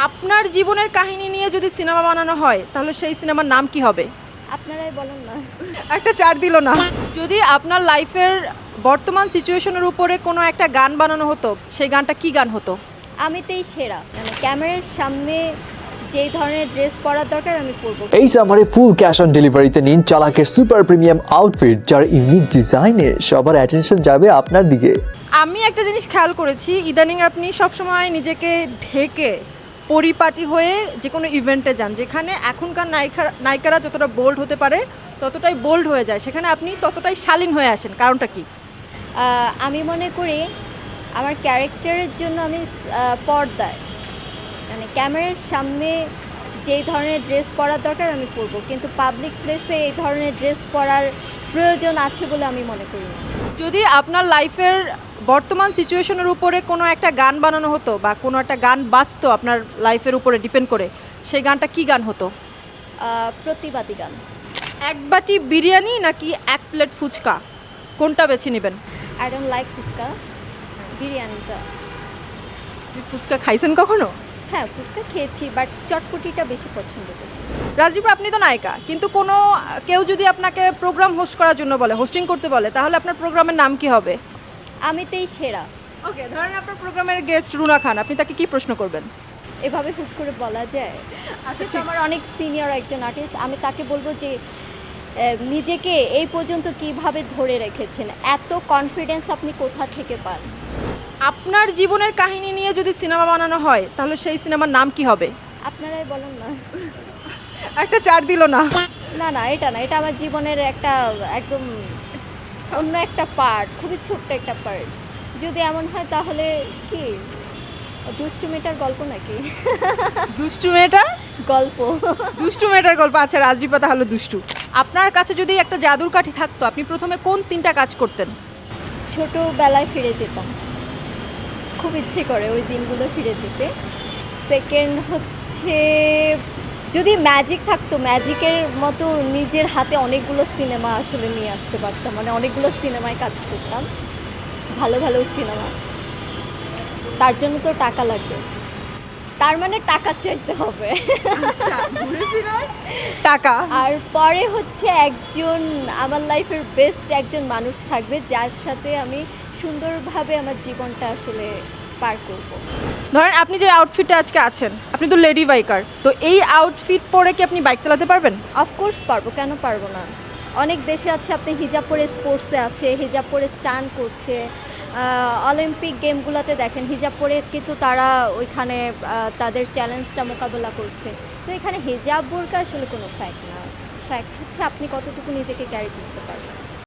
আপনার জীবনের কাহিনী নিয়ে যদি সিনেমা বানানো হয় তাহলে সেই সিনেমার নাম কি হবে? আপনারাই বলেন না। একটা ৪ দিল না। যদি আপনার লাইফের বর্তমান সিচুয়েশনের উপরে কোনো একটা গান বানানো হতো, সেই গানটা কি গান হতো? আমিতেই সেরা, মানে ক্যামেরার সামনে যেই ধরনের ড্রেস পরার দরকার আমি পরবো। এই সামারে ফুল ক্যাশ অন ডেলিভারিতে নিন চালাকের সুপার প্রিমিয়াম আউটফিট, যার ইউনিক ডিজাইনে সবার অ্যাটেনশন যাবে আপনার দিকে। আমি একটা জিনিস খেয়াল করেছি, ইদানিং আপনি সবসময় নিজেকে ঢেকে পরিপাটি হয়ে যে কোনো ইভেন্টে যান, যেখানে এখনকার নায়িকারা যতটা বোল্ড হতে পারে ততটাই বোল্ড হয়ে যায়, সেখানে আপনি ততটাই শালীন হয়ে আসেন। কারণটা কি? আমি মনে করি আমার ক্যারেক্টারের জন্য আমি পর্দায়, মানে ক্যামেরার সামনে যেই ধরনের ড্রেস পরার দরকার আমি পরবো, কিন্তু পাবলিক প্লেসে এই ধরনের ড্রেস পরার প্রয়োজন আছে বলে আমি মনে করি না। যদি আপনার লাইফের বর্তমান সিচুয়েশনের উপরে কোনো একটা গান বানানো হতো বা কোনো একটা গান বাজতো আপনার লাইফের উপরে ডিপেন্ড করে, সেই গানটা কি গান হতো? প্রতিবাদী গান। এক বাটি বিরিয়ানি নাকি এক প্লেট ফুচকা, কোনটা বেছে নেবেন? আই ডোন্ট লাইক ফুচকা, বিরিয়ানিটা। আপনি ফুচকা খাইছেন কখনো? হ্যাঁ, ফুচকা খেয়েছি, বাট চটপটিটা বেশি পছন্দ করি। রাজীব, আপনি তো নায়িকা, কিন্তু কোনো কেউ যদি আপনাকে প্রোগ্রাম হোস্ট করার জন্য বলে, হোস্টিং করতে বলে, তাহলে আপনার প্রোগ্রামের নাম কি হবে? আমিতেই সেরা। ওকে, ধরেন আপনার প্রোগ্রামের গেস্ট রুনা খান, আপনি তাকে কি প্রশ্ন করবেন? এভাবে হুট করে বলা যায়? আসলে আমার অনেক সিনিয়র একজন আর্টিস্ট, আমি তাকে বলবো যে নিজেকে এই পর্যন্ত কিভাবে ধরে রেখেছেন, এত কনফিডেন্স আপনি কোথা থেকে পান? আপনার জীবনের কাহিনী নিয়ে যদি সিনেমা বানানো হয় তাহলে সেই সিনেমার নাম কি হবে? আপনারাই বলেন না। একটা ৪ দিল না। না না, এটা না, এটা আমার জীবনের একটা একদম অন্য একটা পার্ট, খুবই ছোট্ট একটা পার্ট। যদি এমন হয় তাহলে কি দুষ্টু মেয়েটার গল্প নাকি? দুষ্টু মেয়েটার গল্প। দুষ্টু মেয়েটার গল্প। আচ্ছা, রাজদীপা তাহলে দুষ্টু। আপনার কাছে যদি একটা জাদুর কাঠি থাকতো, আপনি প্রথমে কোন 3টা কাজ করতেন? ছোটোবেলায় ফিরে যেতাম, খুব ইচ্ছে করে ওই দিনগুলো ফিরে যেতে। সেকেন্ড হচ্ছে, যদি ম্যাজিক থাকতো, ম্যাজিকের মতো নিজের হাতে অনেকগুলো সিনেমা আসলে নিয়ে আসতে পারতাম, মানে অনেকগুলো সিনেমায় কাজ করতাম, ভালো ভালো সিনেমা। তার জন্য তো টাকা লাগবে, তার মানে টাকা চাইতে হবে। টাকা। আর পরে হচ্ছে একজন আমার লাইফের বেস্ট একজন মানুষ থাকবে, যার সাথে আমি সুন্দরভাবে আমার জীবনটা আসলে পার করব। ধরেন আপনি যে আউটফিটে আজকে আছেন, আপনি তো লেডি বাইকার, তো এই আউটফিট পরে কি আপনি বাইক চালাতে পারবেন? অফকোর্স পারবো, কেন পারবো না? অনেক দেশে আছে আপনি হিজাব পরে স্পোর্টসে আছে, হিজাব পরে স্টান্ট করছে। অলিম্পিক গেমগুলোতে দেখেন হিজাব পরে কিন্তু তারা ওইখানে তাদের চ্যালেঞ্জটা মোকাবেলা করছে। তো এখানে হিজাব বোরকা আসলে কোনো ফ্যাক্ট না, ফ্যাক্ট হচ্ছে আপনি কতটুকু নিজেকে ক্যারি করতে পারবেন।